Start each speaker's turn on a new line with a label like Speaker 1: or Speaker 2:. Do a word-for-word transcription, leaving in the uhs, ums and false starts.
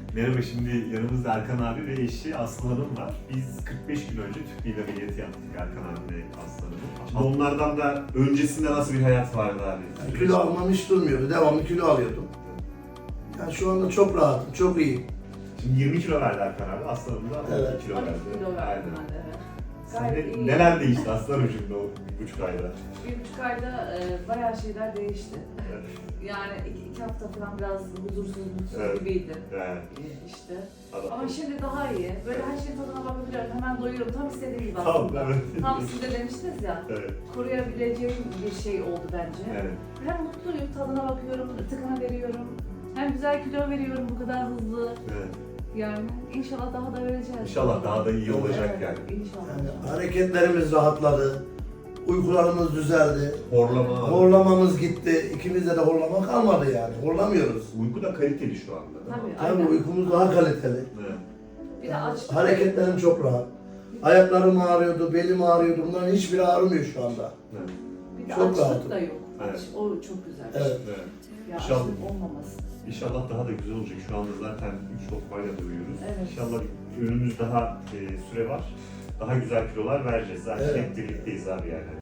Speaker 1: Merhaba, şimdi yanımızda Erkan abi ve eşi Aslı Hanım var. Biz kırk beş gün önce tüp beyni ameliyatı yaptık Erkan abi ve Aslı Hanım'ın. Şimdi onlardan da öncesinde nasıl bir hayat vardı abi?
Speaker 2: Yani kilo almam hiç durmuyordu. Devamlı kilo alıyordum. Yani şu anda çok rahatım, çok iyiyim.
Speaker 1: Şimdi yirmi kilo verdi Erkan abi, Aslı Hanım da
Speaker 2: Evet.
Speaker 1: on iki kilo
Speaker 3: on iki
Speaker 1: verdi.
Speaker 3: kilo verdim
Speaker 1: Aynen.
Speaker 3: ben de, evet.
Speaker 1: Sen
Speaker 3: Gayet
Speaker 1: de-
Speaker 3: iyi.
Speaker 1: neler değişti Aslı Hanım şimdi o bir buçuk ayda?
Speaker 3: Bir buçuk ayda e, bayağı şeyler değişti.
Speaker 1: Evet.
Speaker 3: Yani iki, iki hafta falan biraz huzursuz, mutsuz
Speaker 1: Evet.
Speaker 3: gibiydi
Speaker 1: Evet.
Speaker 3: e, işte.
Speaker 1: Adam-
Speaker 3: Ama şimdi daha iyi. Böyle her şeyin tadına bakabiliyorum. Hemen doyuyorum. Tam istediğim gibi
Speaker 1: Tamam,
Speaker 3: aslında.
Speaker 1: evet.
Speaker 3: Tam siz de demiştiniz ya.
Speaker 1: Evet.
Speaker 3: Koruyabileceğim bir şey oldu bence.
Speaker 1: Evet.
Speaker 3: Hem mutluyum, tadına bakıyorum, tıkına veriyorum. Hem güzel kilo veriyorum bu kadar hızlı.
Speaker 1: Evet.
Speaker 3: Yani inşallah daha da vereceğiz.
Speaker 1: İnşallah daha da iyi olacak
Speaker 3: Evet,
Speaker 1: yani.
Speaker 3: İnşallah.
Speaker 2: Yani hareketlerimiz rahatladı. Uykularımız düzeldi.
Speaker 1: Horlama.
Speaker 2: Horlamamız gitti. İkimizde de horlama kalmadı yani. Horlamıyoruz.
Speaker 1: Uyku da kaliteli şu anda. değil mi?
Speaker 3: Tabii.
Speaker 2: Tabii
Speaker 3: Aynen.
Speaker 2: uykumuz daha kaliteli.
Speaker 1: Evet.
Speaker 3: Bir de açlık.
Speaker 2: Hareketlerim çok rahat. Ayaklarım ağrıyordu, belim ağrıyordu. Bunların hiçbiri ağrımıyor şu anda.
Speaker 1: Evet.
Speaker 3: Bir de
Speaker 2: Çok
Speaker 3: açlık
Speaker 2: rahatım.
Speaker 3: da yok.
Speaker 1: Evet.
Speaker 3: O çok güzel.
Speaker 2: Evet.
Speaker 1: Evet.
Speaker 3: Ya
Speaker 1: İnşallah.
Speaker 3: açlık olmaması.
Speaker 1: İnşallah daha da güzel olacak. Şu anda zaten üç lokmayla doyuyoruz.
Speaker 3: Evet.
Speaker 1: İnşallah önümüz daha e, süre var. Daha güzel kilolar vereceğiz. Zaten
Speaker 2: Evet.
Speaker 1: hep birlikteyiz abi yani.